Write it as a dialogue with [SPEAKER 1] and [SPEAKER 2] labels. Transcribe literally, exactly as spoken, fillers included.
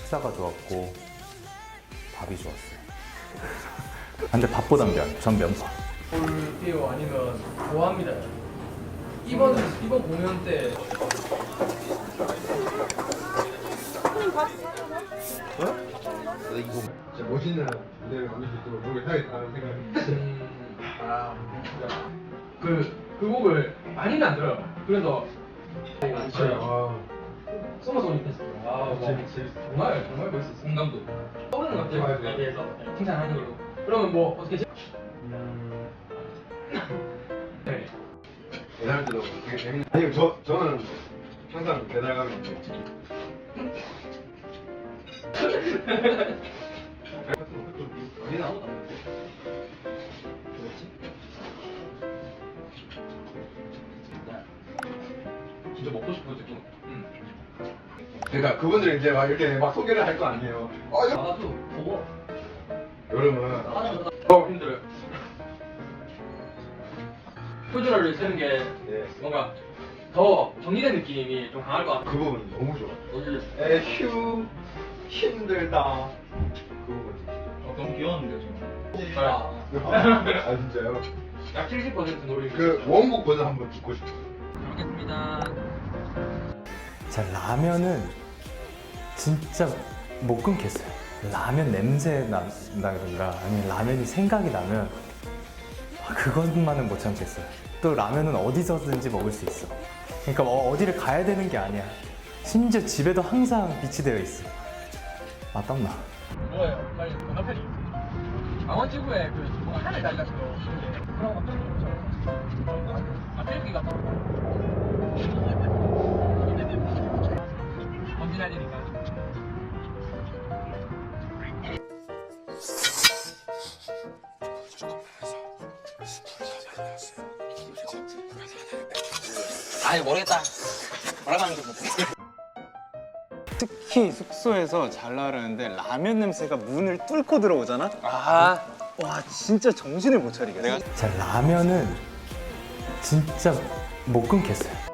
[SPEAKER 1] 식사가 좋았고 밥이 좋았어요. 근데 밥보단 면, 전 면밥.
[SPEAKER 2] 볼게요 아니면 좋아합니다. 이번 이번 공연 때
[SPEAKER 3] 진짜 멋있는 무대를 만들 수 있도록 노력해야겠다는 생각이
[SPEAKER 2] 음, 아, 그, 그 곡을 많이는 안 들어요. 그래서
[SPEAKER 3] 들어요.
[SPEAKER 2] 소마소니 페스티벌. 아, 뭐, 정말 정말 멋있었어요. 공감도. 떠오르는 것 같아요. 그거에 대해서 칭찬하는 걸로. 그러면 뭐 어떻게?
[SPEAKER 3] 음,
[SPEAKER 2] 네.
[SPEAKER 3] 배달 때도 되게 재밌는. 아니 저 저는 항상 배달 가면 이제 많이 나오다.
[SPEAKER 2] 진짜 먹고 싶은 거 좀.
[SPEAKER 3] 그러니까 그분들이 이제 막 이렇게 막 소개를 할 거 아니에요. 어, 여-
[SPEAKER 2] 나도 보고.
[SPEAKER 3] 여름은
[SPEAKER 2] 어 힘들어요. 표준어를 쓰는 게
[SPEAKER 3] 네,
[SPEAKER 2] 뭔가 더 정리된 느낌이 좀 강할 것 같아요.
[SPEAKER 3] 그 부분 너무 좋아.
[SPEAKER 2] 어디?
[SPEAKER 3] 에휴 힘들다. 그 부분.
[SPEAKER 2] 어, 너무 귀여웠는데요 지금. 아,
[SPEAKER 3] 아 진짜요?
[SPEAKER 2] 약 칠십 퍼센트 노래.
[SPEAKER 3] 그 원곡 버전 한번 듣고 싶어.
[SPEAKER 2] 알겠습니다.
[SPEAKER 1] 자, 라면은 진짜 못 끊겠어요. 라면 냄새 난다든가 아니면 라면이 생각이 나면 아, 그것만은 못 참겠어요. 또 라면은 어디서든지 먹을 수 있어. 그러니까 어, 어디를 가야 되는 게 아니야. 심지어 집에도 항상 비치되어 있어. 아, 땀나.
[SPEAKER 2] 뭐예요? 빨리 건너편이. 강원지구에 그 뭔가 하늘 달리 같은 거. 그런 거 어떤 거? 아, 헬기 같은 거. 먼지 날리니까. 아니 모르겠다. 뭐라고 하는 게 모르겠어.
[SPEAKER 4] 특히 숙소에서 잘 나르는데 라면 냄새가 문을 뚫고 들어오잖아?
[SPEAKER 2] 아,
[SPEAKER 4] 와 진짜 정신을 못 차리겠어. 내가
[SPEAKER 1] 자, 라면은 진짜 못 끊겠어요.